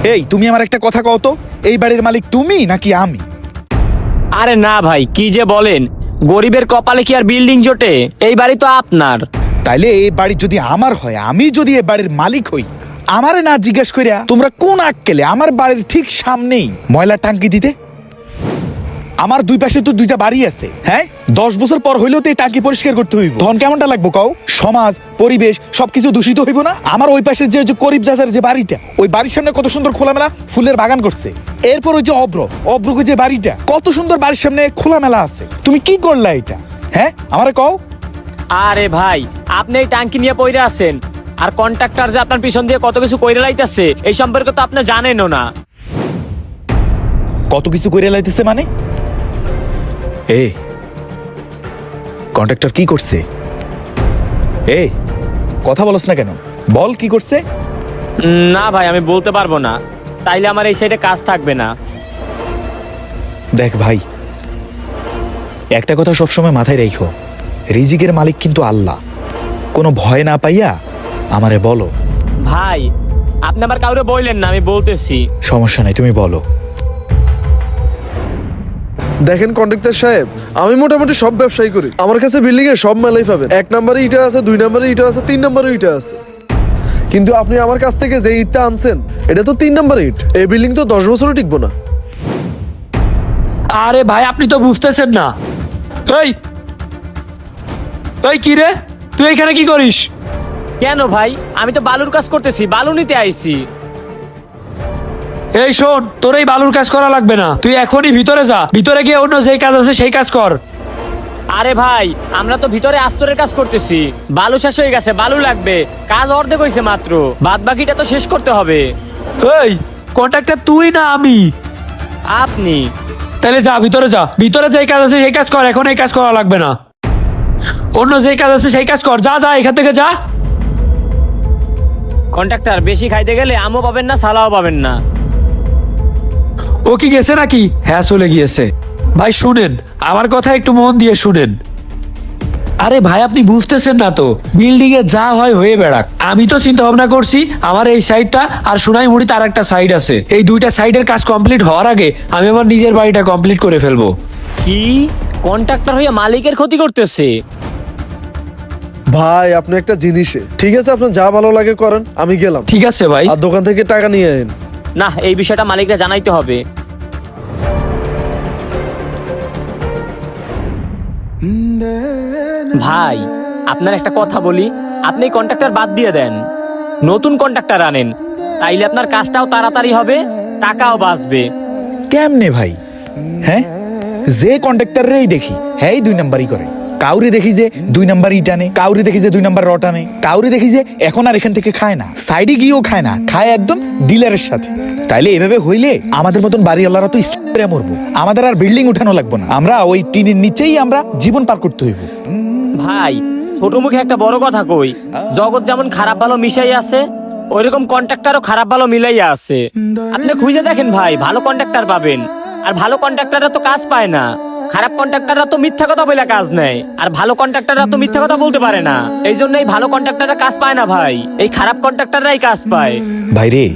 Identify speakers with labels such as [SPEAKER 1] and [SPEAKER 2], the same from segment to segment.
[SPEAKER 1] এই তুমি আমার একটা কথা কও তো, এই বাড়ির মালিক তুমি নাকি আমি?
[SPEAKER 2] আরে না ভাই, কি যে বলেন, গরিবের কপালে কি আর বিল্ডিং জোটে? এই বাড়ি তো আপনার।
[SPEAKER 1] তাইলে এই বাড়ি যদি আমার হয়, আমি যদি এই বাড়ির মালিক হই, আমারে না জিজ্ঞেস করিয়া তোমরা কোন আক্কেলে আমার বাড়ির ঠিক সামনেই ময়লা টাঙ্কি দিতে? আমার দুই পাশে তো দুইটা বাড়ি আছে, হ্যাঁ? 10 বছর পর হইলেও তো এই টাঙ্কি পরিষ্কার করতে হইব। ধন কেমনটা লাগবো কও? সমাজ পরিবেশ সবকিছু দূষিত হইব না? আমার ওই পাশের যে করিব জাজার যে বাড়িটা, ওই বাড়ির সামনে কত সুন্দর খোলামেলা ফুলের বাগান করছে। এরপর ওই যে অব্রকে যে বাড়িটা, কত সুন্দর বাড়ির সামনে খোলামেলা আছে। তুমি কি করলা এটা, হ্যাঁ? আমারে কও।
[SPEAKER 2] আরে ভাই, আপনি এই টাঙ্কি নিয়ে পইরে আছেন, আর কন্ট্রাক্টর যে আপনার পিছন দিয়ে কত কিছু কইরে লাইতেছে এই সম্পর্কে তো আপনি জানেনও না।
[SPEAKER 1] কত কিছু করে লাইতেছে মানে? কন্ট্রাক্টর কি করছে? কথা বলছ না কেন? বল কি করছে?
[SPEAKER 2] না ভাই, আমি বলতে পারবো না, তাইলে আমার এই সাইডে কাজ থাকবে না।
[SPEAKER 1] দেখ ভাই, একটা কথা সবসময় মাথায় রেখো, রিজিকের মালিক কিন্তু আল্লাহ। কোনো ভয় না পাইয়া আমারে বলো।
[SPEAKER 2] ভাই, আপনি আবার কাউরে বললেন না, আমি বলতেছি।
[SPEAKER 1] সমস্যা নাই, তুমি বলো।
[SPEAKER 3] দেখেন কন্ট্রাক্টর সাহেব, আমি মোটামুটি সব ব্যবসায়ী করি। আমার কাছে বিল্ডিং এ সব মেলাই পাবেন। 1 নম্বরে ইটা আছে, 2 নম্বরে ইটা আছে, 3 নম্বরে ইটা আছে। কিন্তু আপনি আমার কাছ থেকে যে ইটটা আনছেন, এটা তো 3 নম্বর ইট। এই বিল্ডিং তো 10 বছরও টিকবো না।
[SPEAKER 4] আরে ভাই, আপনি তো বুঝতেছেন না। এই এই কি রে, তুই এখানে কি করিস?
[SPEAKER 2] কেন ভাই, আমি তো বালুর কাজ করতেছি, বালু নিতে আইছি।
[SPEAKER 4] এই শোন, তোর এই বালুর কাজ করা লাগবে না, তুই এখনই ভিতরে যা। ভিতরে গিয়ে অন্য যেই কাজ আছে সেই কাজ কর।
[SPEAKER 2] আরে ভাই, আমরা তো ভিতরে আস্তরের কাজ করতেছি, বালু শেষ হয়ে গেছে, বালু লাগবে, কাজ অর্ধেক হয়েছে মাত্র, বাদ বাকিটা তো শেষ করতে হবে।
[SPEAKER 4] এই কন্ট্রাক্টর তুই না আমি?
[SPEAKER 2] আপনি।
[SPEAKER 4] তাহলে যা, ভিতরে যা। ভিতরে যেই কাজ আছে সেই কাজ কর, এখন এই কাজ করা লাগবে না। অন্য যেই কাজ আছে সেই কাজ কর, যা যা, এখান থেকে যা।
[SPEAKER 2] কন্ট্রাক্টর, বেশি খাইতে গেলে আমও পাবেন না, সালাও পাবেন না।
[SPEAKER 4] ও কি গেছে নাকি? হ্যাঁ, চলে গিয়েছে। ভাই শুনেন, আমার কথা একটু মন দিয়ে শুনেন। আরে ভাই, আপনি বুঝতেছেন না তো, বিল্ডিং এ যা হয় হয়ে বেড়াক। আমি তো চিন্তা ভাবনা করছি, আমার এই সাইডটা আর সোনাইমুড়িতে আর একটা সাইড আছে, এই দুইটা সাইডের কাজ কমপ্লিট হওয়ার আগে আমি আমার নিজের বাড়িটা কমপ্লিট করে ফেলবো।
[SPEAKER 2] কি? কন্ট্রাক্টর হইয়া মালিকের ক্ষতি করতেছে?
[SPEAKER 3] ভাই আপনি একটা জিনিসে ঠিক আছে, আপনার যা ভালো লাগে করেন, আমি গেলাম।
[SPEAKER 4] ঠিক আছে ভাই।
[SPEAKER 3] আর দোকান থেকে টাকা নিয়ে আইন।
[SPEAKER 2] না, এই বিষয়টা মালিকরা জানাইতে হবে। ভাই, আপনার একটা কথা বলি, আপনি কন্ট্রাক্টর বাদ দিয়ে দেন, নতুন কন্ট্রাক্টর আনেন, তাইলে আপনার কাজটাও তাড়াতাড়ি হবে, টাকাও বাঁচবে।
[SPEAKER 1] কেমনে ভাই? হ্যাঁ, যে কন্ট্রাক্টরেই দেখি হ্যাঁ 2 নাম্বারই করে। কাউরি দেখি যে 2 নাম্বার ইটানে, কাউরি দেখি যে 2 নাম্বার রটানে, কাউরি দেখি যে এখন আর এখান থেকে খায় না, সাইডে গিয়েও খায় না, খায় একদম ডিলারের সাথে। তাইলে এভাবে হইলে আমাদের মতন বাড়িওয়ালারা তো স্ট্রে মরবো, আমাদের আর বিল্ডিং উঠানো লাগবো না, আমরা ওই টিনের নিচেই আমরা জীবন পার করতে হইব।
[SPEAKER 2] ভাই, ছোট মুখে একটা বড় কথা কই, জগৎ যেমন খারাপ ভালো মিশাই আছে, ওইরকম কন্ট্রাক্টরও খারাপ ভালো মিলাইয়া আছে। আপনি খুঁজে দেখেন ভাই, ভালো কন্ট্রাক্টর পাবেন। আর ভালো কন্ট্রাক্টররা তো কাজ পায় না, খারাপ কন্ট্রাক্টররা তো মিথ্যা কথা বলে কাজ নেয়, আর ভালো কন্ট্রাক্টররা তো মিথ্যা কথা বলতে পারে না। এই জন্যই ভালো কন্ট্রাক্টররা কাজ পায় না ভাই, এই খারাপ কন্ট্রাক্টররাই কাজ পায়।
[SPEAKER 1] ভাই রে,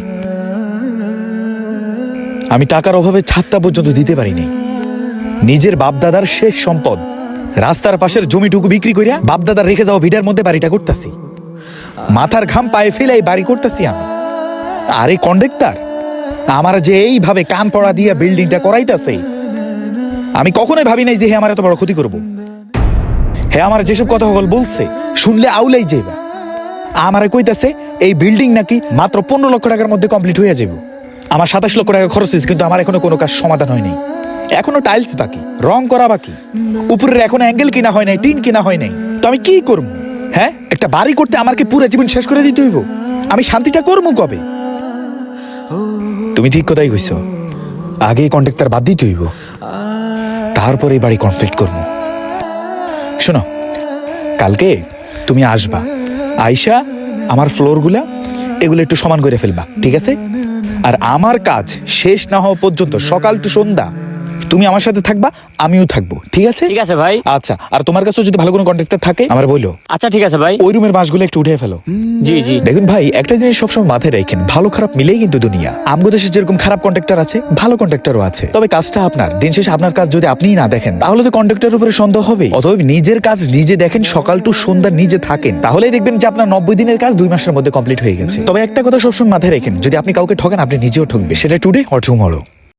[SPEAKER 1] আমি টাকার অভাবে ছাদটা পর্যন্ত দিতে পারিনি। নিজের বাপদাদার শেষ সম্পদ রাস্তার পাশের জমিটুকু বিক্রি করিয়া বাপদাদার রেখে যাওয়া ভিটার মধ্যে বাড়িটা করতেছি, মাথার ঘাম পায়ে ফেলে এই বাড়ি করতেছি আমি। আর এই কন্ডাক্টর আমার যে এইভাবে কান পড়া দিয়া বিল্ডিংটা করাইতেছে, আমি কখনোই ভাবি নাই যে হে আমার এত বড় ক্ষতি করব। হে আমার যেসব কথা বলছে শুনলে আউলাই যাইবা। আমারে কইতাছে এই বিল্ডিং নাকি মাত্র 15 লক্ষ টাকার মধ্যে কমপ্লিট হয়ে যাবে। আমার 27 লক্ষ টাকা খরচ হয়েছে, কিন্তু আমার এখনো কোনো কাজ সমাধান হয়নি। এখনো টাইলস বাকি, রং করা বাকি, উপরের এখনো অ্যাঙ্গেল কিনা হয় নাই, টিন কিনা হয় নাই। তো আমি কি করবো? হ্যাঁ, একটা বাড়ি করতে আমার কি পুরো জীবন শেষ করে দিতে হইব? আমি শান্তিটা করবো কবে? তুমি ঠিক কথাই কইছো, আগে কন্ট্রাক্টর বাদ দিতে হইব, তারপরে এই বাড়ি কমপ্লিট করবো। শোনো, কালকে তুমি আসবা, আইসা আমার ফ্লোরগুলা এগুলো একটু সমান করে ফেলবা, ঠিক আছে? আর আমার কাজ শেষ না হওয়া পর্যন্ত সকাল টু সন্ধ্যা তুমি আমার সাথে থাকবা, আমিও থাকবো, ঠিক আছে?
[SPEAKER 2] ঠিক আছে ভাই।
[SPEAKER 1] আচ্ছা, আর তোমার কাছেও যদি ভালো কোনো কন্ট্রাক্টর থাকে আমার বলো।
[SPEAKER 2] আচ্ছা ঠিক আছে ভাই।
[SPEAKER 1] ওই রুমের বাঁশগুলো একটু উঠে ফেলো।
[SPEAKER 2] জি জি।
[SPEAKER 1] দেখুন ভাই, একটা জিনিস সবসময় মাথায় রাখেন, ভালো খারাপ মিলেই কিন্তু দুনিয়া। আমগো দেশে যেরকম খারাপ কন্ট্রাক্টর আছে, ভালো কন্ট্রাক্টরও আছে, তবে কাজটা আপনার। দিন শেষে আপনার কাজ যদি আপনিই না দেখেন, তাহলে তো কন্ট্রাক্টরের উপরে সন্দেহ হবে। অতএব নিজের কাজ নিজে দেখেন, সকাল টু সন্ধ্যা নিজে থাকেন, তাহলেই দেখবেন যে আপনার 90 দিনের কাজ 2 মাসের মধ্যে কমপ্লিট হয়ে গেছে। তবে একটা কথা সবসময় মাথায় রাখেন, যদি আপনি কাউকে ঠকেন, আপনি নিজেও ঠকবে, সেটা টুডে অর টুমরো।